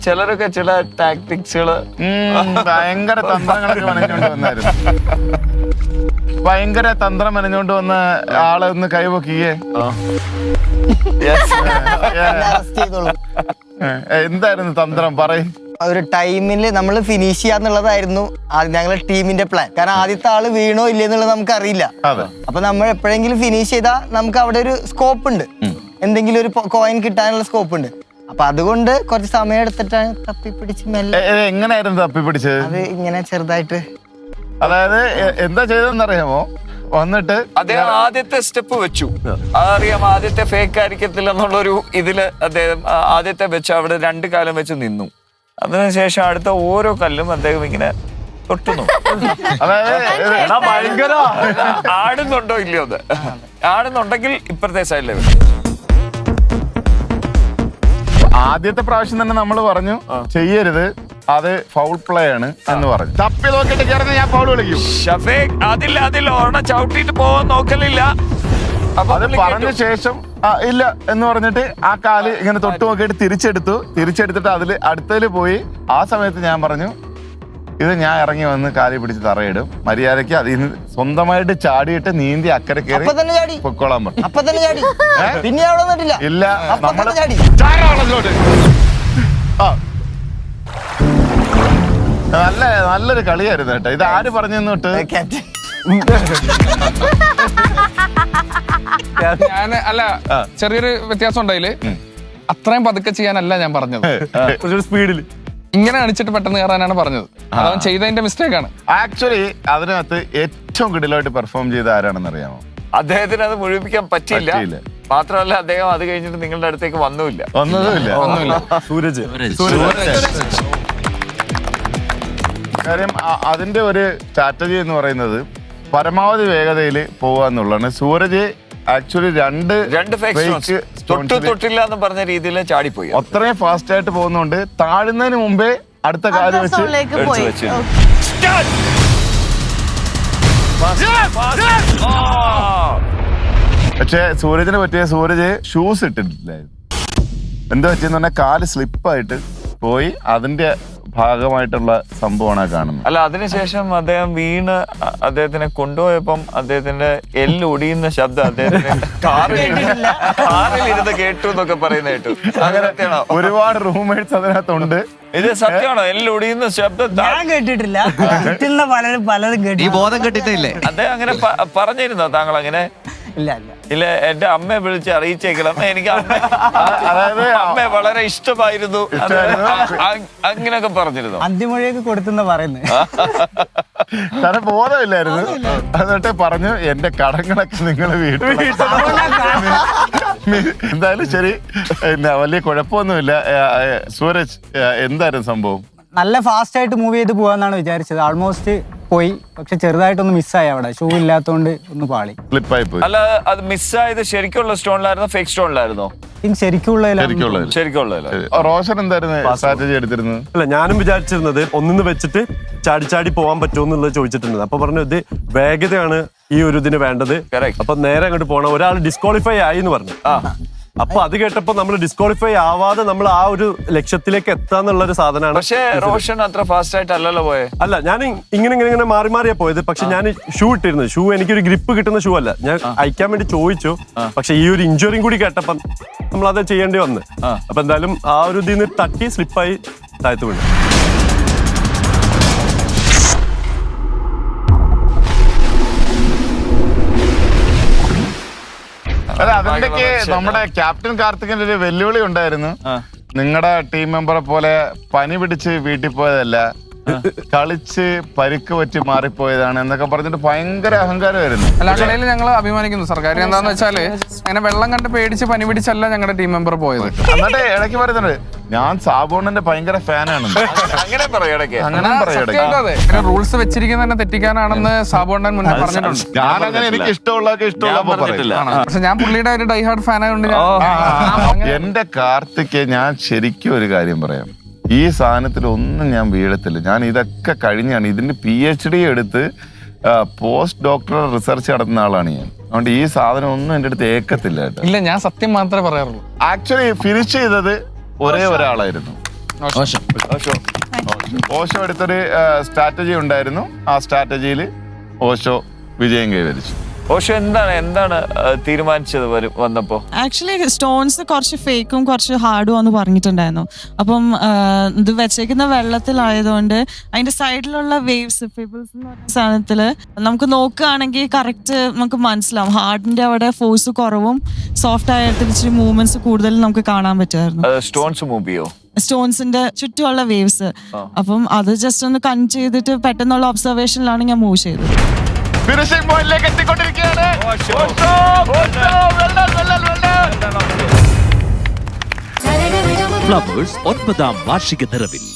ചിലരൊക്കെ ചില ടാക്ടിക്സുകള് ഭയങ്കര തന്ത്രങ്ങളൊക്കെ മെനഞ്ഞോണ്ട് വന്നായിരുന്നു. ഭയങ്കര തന്ത്രം മെനഞ്ഞോണ്ട് വന്ന ആളെ ഒന്ന് കൈവക്കിയേ. എന്തായിരുന്നു തന്ത്രം പറയും? ഒരു ടൈമിൽ നമ്മൾ ഫിനിഷ് ചെയ്യാന്നുള്ളതായിരുന്നു ഞങ്ങളുടെ ടീമിന്റെ പ്ലാൻ. കാരണം ആദ്യത്തെ ആള് വീണോ ഇല്ലേ എന്നുള്ളത് നമുക്ക് അറിയില്ല. അപ്പൊ നമ്മൾ എപ്പോഴെങ്കിലും ഫിനിഷ് ചെയ്താൽ നമുക്ക് അവിടെ ഒരു സ്കോപ്പ് ഉണ്ട്, എന്തെങ്കിലും ഒരു കോയിൻ കിട്ടാനുള്ള സ്കോപ്പ് ഉണ്ട്. അപ്പൊ അതുകൊണ്ട് കുറച്ച് സമയം എടുത്തിട്ടാണ് തപ്പിപ്പിടിച്ച് മെല്ലെ. എങ്ങനെയായിരുന്നു തപ്പിപ്പിടിച്ചത്? അത് ഇങ്ങനെ ചെറുതായിട്ട്, അതായത് എന്താ ചെയ്തതെന്നറിയാമോ? വന്നിട്ട് അദ്ദേഹം ആദ്യത്തെ സ്റ്റെപ്പ് വെച്ചു. അതറിയാം, ആദ്യത്തെ ഫേക്ക് ആയിരിക്കത്തില്ല എന്നുള്ളൊരു ഇതില് അദ്ദേഹം ആദ്യത്തെ വെച്ച് അവിടെ 2 കാലം വെച്ച് നിന്നു. അതിനുശേഷം അടുത്ത ഓരോ കല്ലും അദ്ദേഹം ഇങ്ങനെ തൊട്ടുന്നു. ഭയങ്കര ആടുന്നുണ്ടോ ഇല്ലയോ അത്? ആടുന്നുണ്ടെങ്കിൽ ഇപ്പഴത്തെ സൈഡിലെ ആദ്യത്തെ പ്രാവശ്യം തന്നെ നമ്മൾ പറഞ്ഞു ചെയ്യരുത്, അത് ഫൗൾ പ്ലേ ആണ് എന്ന് പറഞ്ഞു. തപ്പി നോക്കിട്ട് കയറുന്ന ഞാൻ ഫൗൾ വിളിക്കും. ഷഫീഖ് അതിൽ ഒരെണ്ണം ചവിട്ടിട്ട് പോവാൻ നോക്കലില്ല. അപ്പൊ അത് പറഞ്ഞ ശേഷം ഇല്ല എന്ന് പറഞ്ഞിട്ട് ആ കാല് ഇങ്ങനെ തൊട്ട് നോക്കിയിട്ട് തിരിച്ചെടുത്തിട്ട് അതിൽ അടുത്തതിൽ പോയി. ആ സമയത്ത് ഞാൻ പറഞ്ഞു, ഇത് ഞാൻ ഇറങ്ങി വന്ന് കാലി പിടിച്ച് തറയിടും, മര്യാദയ്ക്ക് അതിൽ നിന്ന് സ്വന്തമായിട്ട് ചാടിയിട്ട് നീന്തി അക്കരെ കയറി പൊക്കോളാൻ പറഞ്ഞു. പിന്നെ അവിടെ വന്നിട്ടില്ല. ഇല്ല, നമ്മള് നല്ലൊരു കളിയായിരുന്നു കേട്ടോ. ഇത് ആര് പറഞ്ഞു തൊട്ട്? ഞാൻ അല്ല, ചെറിയൊരു വ്യത്യാസം ഉണ്ടായില്. അത്രയും പതുക്കെ ചെയ്യാനല്ല ഞാൻ പറഞ്ഞത്, സ്പീഡില് ഇങ്ങനെ അടിച്ചിട്ട് പെട്ടെന്ന് കയറാനാണ് പറഞ്ഞത്. അതവൻ ചെയ്തതിന്റെ മിസ്റ്റേക്ക് ആണ്. ആക്ച്വലി അതിനകത്ത് ഏറ്റവും കിടിലായിട്ട് പെർഫോം ചെയ്ത ആരാണെന്ന് അറിയാമോ? അദ്ദേഹത്തിന് അത് മുഴുമിക്കാൻ പറ്റിയില്ല. മാത്രമല്ല അദ്ദേഹം അത് കഴിഞ്ഞിട്ട് നിങ്ങളുടെ അടുത്തേക്ക് വന്നതുമില്ല. സൂരജ്. കാര്യം അതിന്റെ ഒരു സ്ട്രാറ്റജി എന്ന് പറയുന്നത് പരമാവധി വേഗതയിൽ പോവുക എന്നുള്ളതാണ്. സൂരജ് ആക്ച്വലി രണ്ട് തൊട്ടില്ല എന്ന് പറഞ്ഞ രീതിയിൽ ചാടിപ്പോയി. അത്രയും ഫാസ്റ്റ് ആയിട്ട് പോകുന്നുണ്ട്. താഴുന്നതിന് മുമ്പേ അടുത്ത കാല് വെച്ച് പക്ഷെ സൂരജിന് പറ്റിയ സൂരജ് ഷൂസ് ഇട്ടിട്ടില്ലായിരുന്നു. എന്താ പറ്റിയെന്ന് പറഞ്ഞാൽ കാല് സ്ലിപ്പായിട്ട് പോയി. അതിന്റെ ഭാഗമായിട്ടുള്ള സംഭവമാണ് കാണുന്നത്. അല്ല, അതിനുശേഷം അദ്ദേഹം വീണ് അദ്ദേഹത്തിനെ കൊണ്ടുപോയപ്പം അദ്ദേഹത്തിന്റെ എല്ല് ഒടിയുന്ന ശബ്ദം അദ്ദേഹത്തിന് കാറിലിരുന്ന് കേട്ടു എന്നൊക്കെ പറയുന്ന കേട്ടു. അങ്ങനത്തെയാണോ? ഒരുപാട് റൂംമേറ്റ്സ് അതിനകത്തുണ്ട്. ഇത് സത്യമാണോ? എല്ല് ഒടിയുന്ന ശബ്ദം ഞാൻ കേട്ടിട്ടില്ല. പലരും കേട്ടി. ബോധം കെട്ടിട്ടില്ലേ? അദ്ദേഹം അങ്ങനെ പറഞ്ഞിരുന്നോ താങ്കൾ? അങ്ങനെ ഇല്ല, എന്റെ അമ്മയെ വിളിച്ച് അറിയിച്ചേക്കണം. എനിക്ക് അമ്മയെ വളരെ ഇഷ്ടമായിരുന്നു, അങ്ങനെയൊക്കെ പറഞ്ഞിരുന്നു. അന്തിമൊഴിയൊക്കെ കൊടുത്തെന്ന് പറയുന്നത്. തന്റെ ബോധമില്ലായിരുന്നു. എന്നിട്ട് പറഞ്ഞു, എന്റെ കടങ്ങളൊക്കെ നിങ്ങൾ വീട്ടിൽ. എന്തായാലും ശരി, വലിയ കുഴപ്പമൊന്നുമില്ല. സൂരജ്, എന്തായിരുന്നു സംഭവം? നല്ല ഫാസ്റ്റ് ആയിട്ട് മൂവ് ചെയ്ത് പോവാന്നാണ് വിചാരിച്ചത്. ആൾമോസ്റ്റ് പോയി, പക്ഷെ ചെറുതായിട്ടൊന്ന് മിസ്സായി. അവിടെ ഷൂ ഇല്ലാത്തോണ്ട് ഒന്ന് പാളി, സ്ലിപ്പായി പോയി. അല്ല, അത് മിസ്സായത് ശരിക്കുള്ള സ്റ്റോണിലായിരുന്നോ ഫേക്ക് സ്റ്റോണിലായിരുന്നോ? ശരിക്കുള്ള. റോഷൻ എന്തായിരുന്നു സ്ട്രാറ്റജി എടുത്തിരുന്നത്? അല്ല, ഞാനും വിചാരിച്ചിരുന്നത് ഒന്നിന്ന് വെച്ചിട്ട് ചാടി പോവാൻ പറ്റുമോ എന്നുള്ളത് ചോദിച്ചിട്ടുണ്ട്. അപ്പൊ പറഞ്ഞു ഇത് വേഗതയാണ് ഈ ഒരു ഇതിന് വേണ്ടത്. അപ്പൊ നേരെ അങ്ങോട്ട് പോകണം. ഒരാൾ ഡിസ്ക്വാളിഫൈ ആയി എന്ന് പറഞ്ഞു. അപ്പൊ അത് കേട്ടപ്പോ നമ്മൾ ഡിസ്ക്വാളിഫൈ ആവാതെ നമ്മൾ ആ ഒരു ലക്ഷ്യത്തിലേക്ക് എത്താന്നുള്ള ഒരു സാധനമാണ്. പക്ഷേ റോഷൻ അത്ര ഫാസ്റ്റ് ആയിട്ട് അല്ലല്ലോ പോയെ. അല്ല, ഞാൻ ഇങ്ങനെ മാറിയാ പോയത്. പക്ഷെ ഞാൻ ഷൂ ഇട്ടിരുന്നു. ഷൂ എനിക്കൊരു ഗ്രിപ്പ് കിട്ടുന്ന ഷൂ അല്ല. ഞാൻ അയക്കാൻ വേണ്ടി ചോദിച്ചു. പക്ഷെ ഈ ഒരു ഇഞ്ചുറിയും കൂടി കേട്ടപ്പം നമ്മൾ അത് ചെയ്യേണ്ടി വന്ന്. അപ്പൊ എന്തായാലും ആ ഒരു ഇതിൽ നിന്ന് തട്ടി സ്ലിപ്പായി താഴ്ത്തു വീണു. അല്ല, അതിന്റെയൊക്കെ നമ്മുടെ ക്യാപ്റ്റൻ കാർത്തികിന്റെ ഒരു വെല്ലുവിളി ഉണ്ടായിരുന്നു. നിങ്ങളുടെ ടീം മെമ്പറെ പോലെ പനി പിടിച്ച് വീട്ടിൽ പോയതല്ല, കളിച്ച് പരിക്ക് പറ്റി മാറിപ്പോയതാണ് എന്നൊക്കെ പറഞ്ഞിട്ട് ഭയങ്കര അഹങ്കാരമായിരുന്നു. അല്ല, കളിയിൽ ഞങ്ങൾ അഭിമാനിക്കുന്നു സർ. കാര്യം എന്താന്ന് വെച്ചാല് അങ്ങനെ വെള്ളം കണ്ട് പേടിച്ച് പനി പിടിച്ചല്ല ഞങ്ങളുടെ ടീം മെമ്പർ പോയത്. എന്നിട്ട് ഇടയ്ക്ക് പറയുന്നുണ്ട്, ഞാൻ സാബുണ്ണന്റെ ഭയങ്കര ഫാനാണ്. അങ്ങനെ റൂൾസ് വെച്ചിരിക്കുന്നത് തന്നെ തെറ്റിക്കാനാണെന്ന് സാബുണ്ണൻ മുന്നേ പറഞ്ഞിട്ടുണ്ട്. ഞാൻ അങ്ങനെ എനിക്ക് ഇഷ്ടമുള്ളതൊക്കെ ഇഷ്ടമുള്ള. പക്ഷെ ഞാൻ പുള്ളിയുടെ ഒരു ഡൈഹാർഡ് ഫാനായതുകൊണ്ട് എന്റെ കാർത്തിക്, ഞാൻ ശരിക്കും ഒരു കാര്യം പറയാം. ഈ സാധനത്തിൽ ഒന്നും ഞാൻ വീഴത്തില്ല. ഞാൻ ഇതൊക്കെ കഴിഞ്ഞാണ് ഇതിന്റെ PhD എടുത്ത് പോസ്റ്റ് ഡോക്ടറൽ റിസർച്ച് നടത്തുന്ന ആളാണ് ഞാൻ. അതുകൊണ്ട് ഈ സാധനം ഒന്നും എന്റെ അടുത്ത് ഏക്കത്തില്ല കേട്ടോ. ഇല്ല, ഞാൻ സത്യം മാത്രമേ പറയാറുള്ളൂ. ആക്ച്വലി ഫിനിഷ് ചെയ്തത് ഒരേ ഒരാളായിരുന്നു. ഓഷോ എടുത്തൊരു സ്ട്രാറ്റജി ഉണ്ടായിരുന്നു. ആ സ്ട്രാറ്റജിയിൽ ഓഷോ വിജയം കൈവരിച്ചു. ഓഷോ എന്താണ് തീരുമാനിച്ചത് വന്നപ്പോ? ആക്ച്വലി സ്റ്റോൺസ് കുറച്ച് ഫേക്കും കുറച്ച് ഹാർഡും എന്ന് പറഞ്ഞിട്ടുണ്ടായിരുന്നു. അപ്പം ഇത് വെച്ചേക്കുന്ന വെള്ളത്തിലായതുകൊണ്ട് അതിന്റെ സൈഡിലുള്ള വേവ്സ് ഫിബിൾസ് എന്ന് പറയുന്ന സാധനത്തില് നമുക്ക് നോക്കുകയാണെങ്കിൽ കറക്റ്റ് നമുക്ക് മനസ്സിലാവും. ഹാർഡിന്റെ അവിടെ ഫോഴ്സ് കുറവും സോഫ്റ്റ് ആയിട്ട് ഇച്ചിരി മൂവ്മെന്റ്സ് കൂടുതലും നമുക്ക് കാണാൻ പറ്റുമായിരുന്നു. സ്റ്റോൺസ് മൂവ് ചെയ്യോ? സ്റ്റോൺസിന്റെ ചുറ്റുമുള്ള വേവ്സ്. അപ്പം അത് ജസ്റ്റ് ഒന്ന് കൺ ചെയ്തിട്ട് പെട്ടെന്നുള്ള ഒബ്സർവേഷനിലാണ് ഞാൻ മൂവ് ചെയ്തത്. ഫിനിഷിംഗ് പോയിന്റിലേക്ക് എത്തിക്കൊണ്ടിരിക്കുകയാണ്. ഫ്ലവേഴ്സ് 9ാം വാർഷിക നിറവിൽ